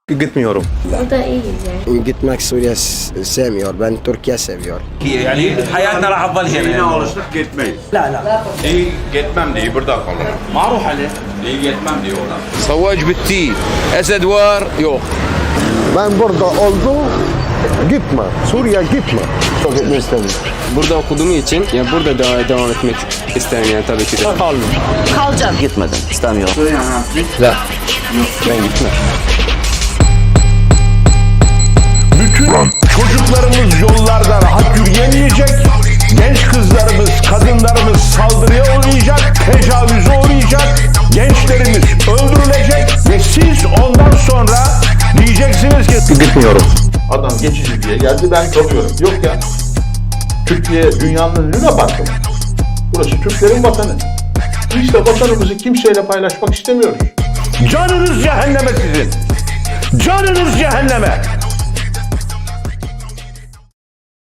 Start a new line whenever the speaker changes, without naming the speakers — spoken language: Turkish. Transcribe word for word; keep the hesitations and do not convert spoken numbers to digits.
Gitmiyorum.
O da iyi yani.
Gitmek Suriye s- sevmiyor. Ben Türkiye seviyor.
يعني حياتنا راح تظل
Yine
هنا.
alıştık gitmeyiz.
İyi gitmem diye burada kalırım.
ما اروح عليه.
İyi gitmem diye oradan.
صواج بالتي اسد وار يوق.
Ben burada oldum, gitme. Suriye gitme. Çok gitmek istemiyorum.
Burada okuduğum için ya burada devam, devam etmek isterim yani tabii ki de.
Kalacağım. Gitmedim. İstemiyorum.
Ben gitmem.
Bütün çocuklarımız yollarda rahat yürüyemeyecek. Genç kızlarımız, kadınlarımız saldırıya uğrayacak, tecavüze uğrayacak. Gençlerimiz öldürülecek ve siz ondan sonra diyeceksiniz ki
Gitmiyorum.
Adam geçici diye geldi ben kalıyorum. Yok ya. Türkiye dünyanın lüne baktı. Burası Türklerin vatanı. Biz de vatanımızı kimseyle paylaşmak istemiyoruz.
canınız cehenneme sizin. Canınız cehenneme.